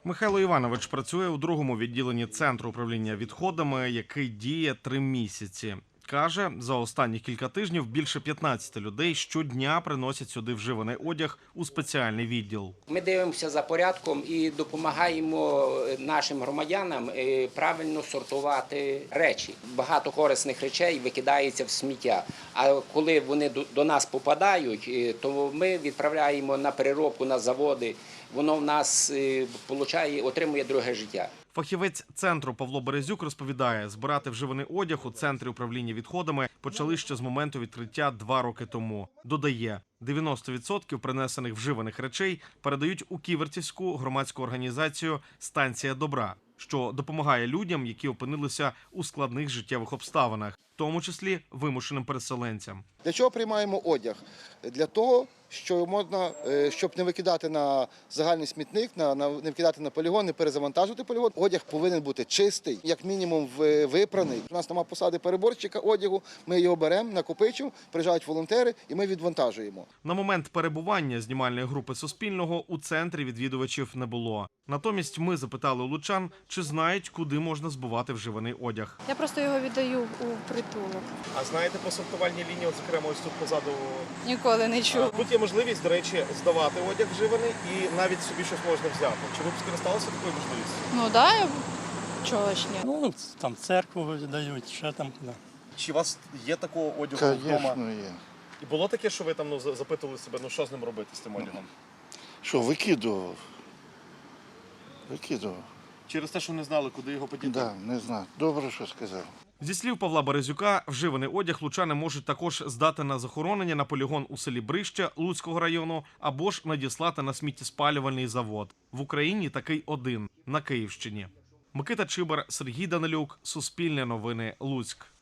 Михайло Іванович працює у другому відділенні Центру управління відходами, який діє 3 місяці. Каже, за останні кілька тижнів більше 15 людей щодня приносять сюди вживаний одяг у спеціальний відділ. Ми дивимося за порядком і допомагаємо нашим громадянам правильно сортувати речі. Багато корисних речей викидається в сміття, а коли вони до нас попадають, то ми відправляємо на переробку на заводи, воно в нас отримує друге життя. Фахівець центру Павло Березюк розповідає, збирати вживаний одяг у Центрі управління відходами почали ще з моменту відкриття 2 роки тому. Додає, 90% принесених вживаних речей передають у Ківерцівську громадську організацію «Станція добра», що допомагає людям, які опинилися у складних життєвих обставинах, в тому числі вимушеним переселенцям. Для чого приймаємо одяг? Для того, щоб не викидати на загальний смітник, не викидати на полігон, не перезавантажувати полігон. Одяг повинен бути чистий, як мінімум випраний. У нас немає посади переборщика одягу, ми його беремо, накопичуємо, приїжджають волонтери і ми відвантажуємо. На момент перебування знімальної групи Суспільного у центрі відвідувачів не було. Натомість ми запитали у лучан, чи знають, куди можна збувати вживаний одяг. Я просто його віддаю у притулок. А знаєте по сортувальній лінії, зокрема, ось тут позаду? Ніколи не чув. Тут є можливість, до речі, здавати одяг вживаний і навіть собі щось можна взяти. Чи ви б скористалися такою можливістю? Ну так, чого ж ні. Ну, там церкву дають, що там. Да. Чи у вас є такого одягу вдома? Звісно, є. І було таке, що ви там запитували себе, що з ним робити, з цим одягом? Що, викидував? Через те, що не знали, куди його подіти? Так, не знаю. Добре, що сказав. Зі слів Павла Березюка, вживаний одяг лучани можуть також здати на захоронення на полігон у селі Брище Луцького району або ж надіслати на сміттєспалювальний завод. В Україні такий один – на Київщині. Микита Чибар, Сергій Данилюк, Суспільне новини, Луцьк.